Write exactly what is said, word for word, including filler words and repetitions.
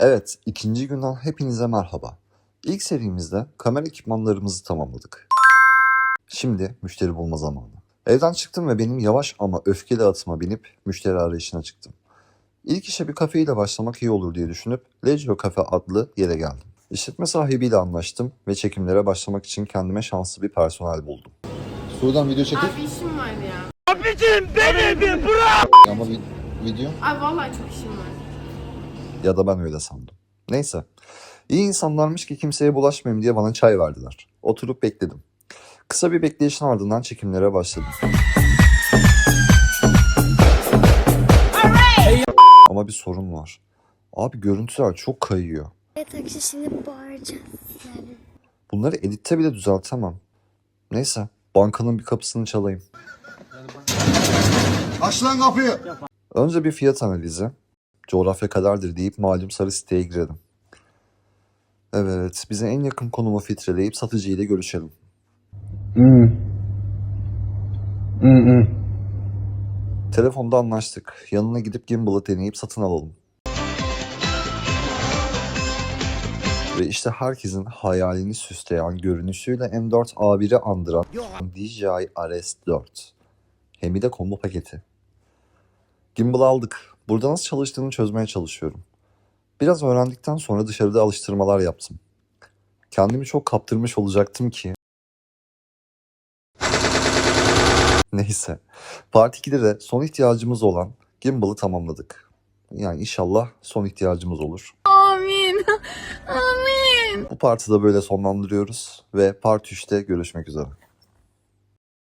Evet, ikinci günden hepinize merhaba. İlk serimizde kamera ekipmanlarımızı tamamladık. Şimdi müşteri bulma zamanı. Evden çıktım ve benim yavaş ama öfkeli atıma binip müşteri arayışına çıktım. İlk işe bir kafeyle başlamak iyi olur diye düşünüp Legio Cafe adlı yere geldim. İşletme sahibiyle anlaştım ve çekimlere başlamak için kendime şanslı bir personel buldum. Sudan video çekip... Abi işim var ya. Abicim beni bir bırak! Ama vi- video... Abi vallahi çok işim var. Ya da ben öyle sandım. Neyse. İyi insanlarmış ki kimseye bulaşmayayım diye bana çay verdiler. Oturup bekledim. Kısa bir bekleyişin ardından çekimlere başladım. Ama bir sorun var. Abi görüntüler çok kayıyor. Evet arkadaşlar şimdi bağıracağız yani. Bunları editte bile düzeltemem. Neyse, bankanın bir kapısını çalayım. Aç lan kapıyı. Önce bir fiyat analizi. Coğrafya kadardır deyip malum sarı siteye girelim. Evet, bize en yakın konumu filtreleyip satıcıyla görüşelim. Hmm. Hmm hmm. Telefonda anlaştık. Yanına gidip gimbal'ı deneyip satın alalım. Ve işte herkesin hayalini süsleyen görünüşüyle M dört A bir'i andıran D J I R S dört. Hem de combo paketi. Gimbal'ı aldık. Burada nasıl çalıştığını çözmeye çalışıyorum. Biraz öğrendikten sonra dışarıda alıştırmalar yaptım. Kendimi çok kaptırmış olacaktım ki. Neyse. Part ikide de son ihtiyacımız olan gimbal'ı tamamladık. Yani inşallah son ihtiyacımız olur. Amin. Amin. Bu partı da böyle sonlandırıyoruz ve part üçte görüşmek üzere.